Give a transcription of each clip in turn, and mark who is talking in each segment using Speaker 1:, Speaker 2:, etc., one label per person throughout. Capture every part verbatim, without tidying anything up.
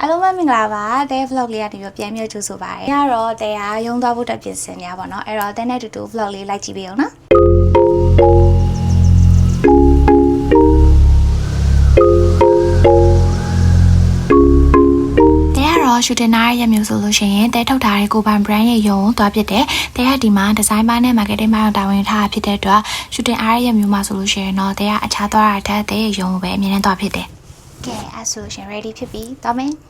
Speaker 1: အားလုံးပဲမင်္ဂလာပါတဲ့ vlog လေးကနေပြီးပြန်မြှုပ်ကြိုးဆိုပါတယ်။ညတော့တဲ့ဟာရုံသွားဖို့တက်ပြင်ဆင်နေရပါတော့။အဲ့တော့တဲ့နဲ့တူတူ vlog လေးလိုက်ကြည့်ပေးအောင်နော်။ရှူတင်နာရဲ့မျိုးဆိုလို့ရှိရင်တဲထုတ်ထားတဲ့ကိုပိုင် brand ရဲ့ရုံသွားဖြစ်တယ်။တဲကဒီမှာ design ပိုင်းနဲ့ marketing ပိုင်းကိုတာဝန်ထားဖြစ်တဲ့အတွက်ရှူတင်အားရဲ့မျိုးမှာဆိုလို့ရှိရင်တော့တဲကအခြားသွားတာတဲ့တဲရုံပဲအမြင်နဲ့သွားဖြစ်တယ်။ကဲအဲ့ဆိုရှင် ready ဖြစ်ပြီ။သွားမယ်။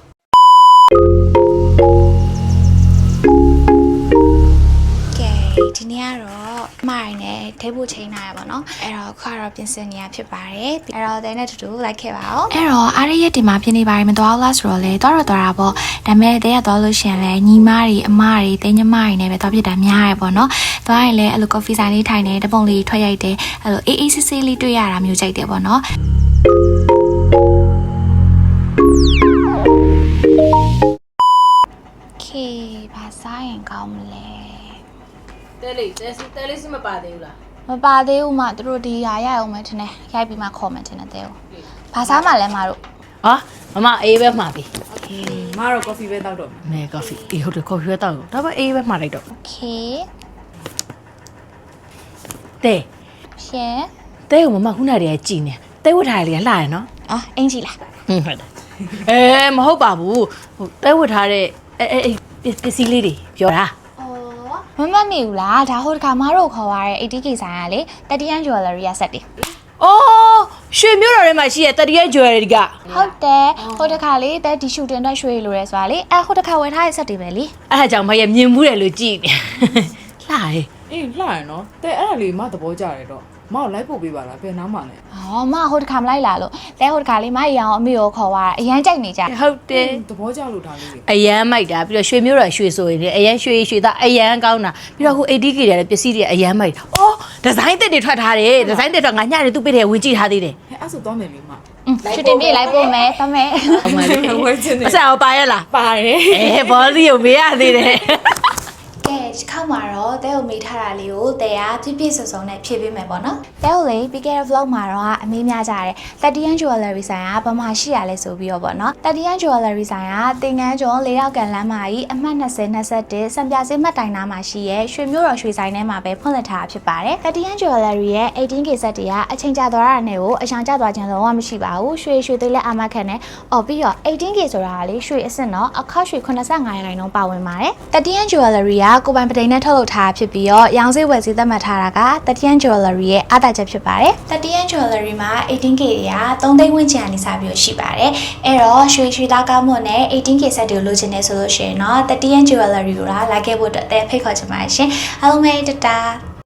Speaker 1: ကဲဒီနေ့ကတော့မိုင်နဲ့ထိပ်ဖို့ချိန်လာရပါတော့။အဲ့တော့ခါတော့ပြင်ဆင်နေရဖြစ်ပါတယ်။အဲ့တော့တဲနဲ့တူတူလိုက်ခဲ့ပါဦး။အဲ့တော့အားရရဲ့ဒီမှာပြင်နေပါတယ်မတော်လားဆိုတော့လေတော့တော့တော့တာပေါ့။ဒါပေမဲ့တဲရသွားလို့ရှင်လဲညီမတွေအမတွေတဲညီမတွေနဲ့ပဲသွားဖြစ်တာများရပေါ့နော်။သွားရင်လည်းအဲ့လို coffee ဆိုင်လေးထိုင်နေတပုံလေးထွက်ရိုက်တယ်။အဲ့လိုအေးအေးဆေးဆေးလေးတွေ့ရတာမျိုးကြိုက်တယ်ပေါ့နော်။ခေဘာစားရင်ကောင်းမလဲ
Speaker 2: တဲလေးတဲစီတဲလေးစီမပါသေးဘူးလား
Speaker 1: မပါသေးဘူးမသူတို့ဒီဟာရအောင်မယ်ထင်တယ်ရိုက်ပြီးမှခေါ်မယ်ထင်တယ်တဲကိုဘာစားမှလဲမတို့
Speaker 2: ဟာမမအေးပဲမှာပြီ
Speaker 3: မတော့ coffee ပဲတောက်တော့
Speaker 2: မဲ coffee အေးဟုတ်တယ် coffee ပဲတောက်တော့ဒါပေမဲ့အေးပဲမှာလိုက်တော့
Speaker 1: okay
Speaker 2: တဲ
Speaker 1: ရှင်
Speaker 2: တဲကိုမမခုနတည်းကကြည်နေတဲဝတ်ထားရလေလှရနော်
Speaker 1: အော်အင်ကြီးလား
Speaker 2: ဟင်းဟုတ်တယ်အဲမဟုတ်ပါဘူးဟိုတဲဝတ်ထားတဲ့အဲအဲပစ္စည်းလေးတွေပြောတာ
Speaker 1: မမမေဘူးလားဒါဟိုတခါမတို့ခေါ်ရတဲ့ eighty K ဆိုင်ကလေthirty-one jewelry ရဆက်တယ်
Speaker 2: အော်ရွှေမျိုးတော်ထဲမှာရှိတဲ့thirty-one jewelryက
Speaker 1: ဟုတ်တယ်ဟိုတခါလေတဲ့ဒီရှူတင်အတွက်ရွှေလိုရဲဆိုတာလေအဲဟိုတခါဝယ်ထားတဲ့ဆက်တွေပဲလေ
Speaker 2: အဲ့ဒါကြောင့်မရမြင်မှုတယ်လို့ကြည်နေလှရဲ
Speaker 3: အေးလှရနော်တဲ့အဲ့ဒါလေးမသဘောကျတယ်တော့မအောင်လိုက်ပို့ပေးပါလားဘယ်နားမှလဲ
Speaker 1: အော်မဟိုတခါမလိုက်လာလို့တဲဟိုတခါလေးမရအောင်အမေကိုခေါ်သွားတာအရန်ကြိုက်နေကြ
Speaker 2: ဟုတ်တယ်
Speaker 3: သဘောကျလို့ဒါလေး
Speaker 2: အရန်မိုက်တာပြီးတော့ရွှေမျိုးတော်ရွှေဆိုရင်အရန်ရွှေရွှေသားအရန်ကောင်းတာပြီးတော့ဟို eighty K တွေလည်းပစ္စည်းတွေအရန်မိုက်တာအော်ဒီဇိုင်းသစ်တွေထွက်ထားတယ်ဒီဇိုင်းသစ်တော့ငါညနေသူ့ပေးတယ်ဝင်ကြည့်ထားသေးတယ်
Speaker 3: ဟဲ့အဲ့ဆိုသွားမယ်လေမ
Speaker 1: ရှူတင်ပြေးလိုက်ပို့မယ်သွားမယ်
Speaker 2: အမလေးဝယ်ချင်တယ်အစားပါရလား
Speaker 3: ပါတယ်
Speaker 2: အဲဘောစီကိုမေးရသေးတယ်
Speaker 1: ကဲဒီခေါက်မှာတော့တဲကိုမေးထားတာလေးကိုတဲကပြည့်ပြည့်စုံစုံနဲ့ဖြည့်ပေးမယ်ပေါ့နော်တဲကိုလေပြီးခဲ့တဲ့ vlog မှာတော့အမေးများကြတယ်thirty-one jewelry ဆိုင်ကဘာမှရှိရလဲဆိုပြီးတော့ပေါ့နော်thirty-one jewelry ဆိုင်ကတင်ငန်းကျော်လေးရောက်ကန်လမ်းမှာကြီးအမှတ်twenty twenty-oneစံပြစေးမှတ်တိုင်နားမှာရှိရဲရွှေမျိုးတော်ရွှေဆိုင်ထဲမှာပဲဖွင့်လှစ်ထားတာဖြစ်ပါတယ်thirty-one jewelry ရဲ့eighteen K ဆက်တွေကအချိန်ကြာသွားတာနဲ့ကိုအရှောင်ကျသွားခြင်းလုံးဝမရှိပါဘူးရွှေရွှေသေးလက်အာမခံနဲ့အော်ပြီးတော့eighteen K ဆိုတာကလေရွှေအစ်စ်တော့အခောက်ရွှေeighty-fiveရာခိုင်နှုန်းပါဝင်ပါတယ်thirty-one jewelry ကကိုပိုင်ပတိန်နဲ့ထုတ်လုပ်ထားဖြစ်ပြီးတော့ရောင်စေးဝယ်စေးသတ်မှတ်ထားတာကthirty-one jewelry ရဲ့အားသာချက်ဖြစ်ပါတယ်thirty-one jewelry မှာeighteen K တွေကthreeသိန်းဝန်းကျင်အနေစားပြီးရှိပါတယ်အဲ့တော့ရွှေရွှေသားကောင်းမွန်နဲ့eighteen K ဆက်တွေကိုလိုချင်နေဆိုလို့ရှိရင်တော့thirty-one jewelry ကိုလာခဲ့ဖို့အတွက်အသေးဖိတ်ခေါ်ချင်ပါတယ်ရှင်အားလုံးပဲတတာ